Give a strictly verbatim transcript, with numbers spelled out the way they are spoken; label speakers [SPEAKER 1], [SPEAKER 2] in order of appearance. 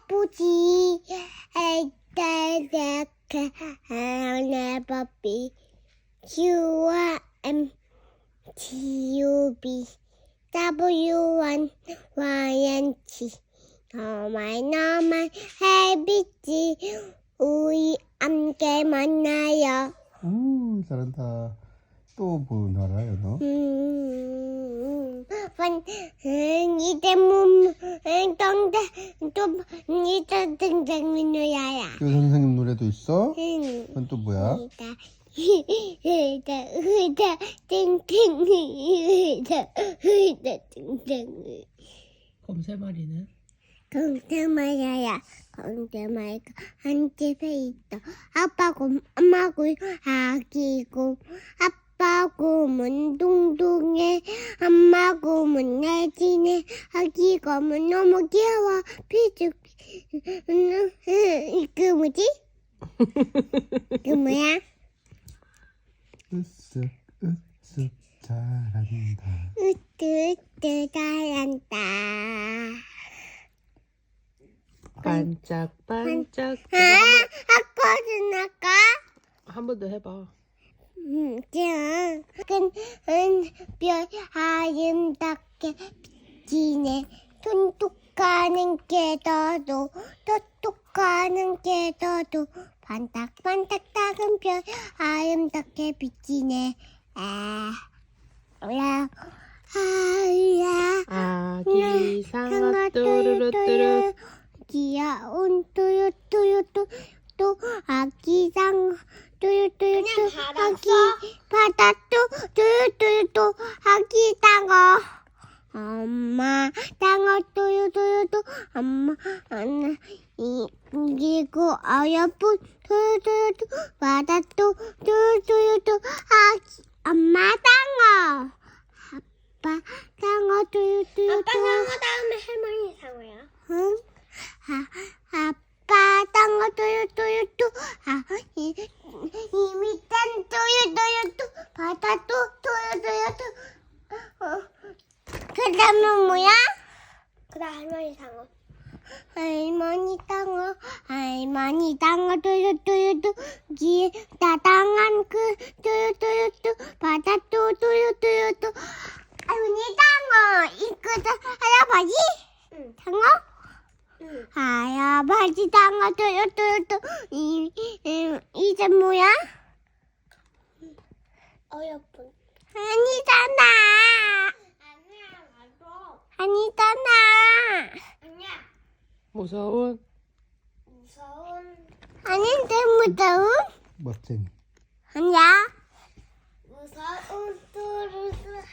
[SPEAKER 1] 예쁘지. 에이따다카 never be. You are M T U B W N Y N T. 너만 너만 해비지. 우리 함께 만나요.
[SPEAKER 2] 오, 잘한다. 또 뭐 알아요, 너?
[SPEAKER 1] 음, 번, 음, 이제 몸, 음, 동대, 또, 이제 등장민우야야.
[SPEAKER 2] 그 선생님 노래도 있어?
[SPEAKER 1] 응.
[SPEAKER 2] 그건 또 뭐야?
[SPEAKER 1] 의자, 의자, 의자, 땡땡, 의자, 의자, 땡땡.
[SPEAKER 3] 곰새머리는?
[SPEAKER 1] 공대마야야, 공대마이가 한 집에 있다. 아빠고, 엄마고, 아기고, 아빠 곰은 둥둥해, 엄마 곰은 날씬해, 아기 곰은 너무 귀여워, 피죽. 그 뭐지? 그 뭐야?
[SPEAKER 2] 으쓱 으쓱 잘한다.
[SPEAKER 1] 으뜨으뜨 잘한다.
[SPEAKER 3] 반짝반짝.
[SPEAKER 1] 아, 아까는 아까?
[SPEAKER 3] 한 번 더 해봐.
[SPEAKER 1] 음, 짠. 큰, 별 아름답게 비치네. 톡톡 가는 게 더도, 톡톡 가는 게 더도, 반짝반짝 작은 별 아름답게 비치네. 아, 라, 아,
[SPEAKER 3] 아기 상어 뚜루루뚜루.
[SPEAKER 1] 귀여운 뚜루뚜루뚜 또 아기상 뚜루뚜루뚜 아기 바다 또 뚜루뚜루뚜 아기 땅어 엄마 땅어 뚜루뚜루뚜 엄마 하나 이 그리고 어여쁜 뚜루뚜루뚜 바다 또 뚜루뚜루뚜 아기 엄마 땅어 아빠 땅어 뚜루뚜루뚜 아빠 상어 다음에 할머니 상어야. 응? 아, 아빠 땅어 뚜루뚜루뚜 아, 이, 이 밑단 뚜루뚜루뚜 바다도 뚜루뚜루뚜 어, 그 다음은 뭐야? 그 다음 할머니 상어 할머니 땅어 할머니 땅어 뚜루뚜루뚜 기다 땅한 그 뚜루뚜루뚜 바다도 뚜루뚜루뚜 할머니 땅어 이거도 할아버지? 응. 상어? 할아버지 땅어 뚜루뚜루뚜 이, 이, 이제 뭐야? 어여쁜 아니잖아. 아니야 맞아. 아니잖아. 아니야.
[SPEAKER 3] 무서운.
[SPEAKER 1] 무서운 아닌데 무서운?
[SPEAKER 2] 멋쟁이.
[SPEAKER 1] 아니야. 무서운 뚜루뚜루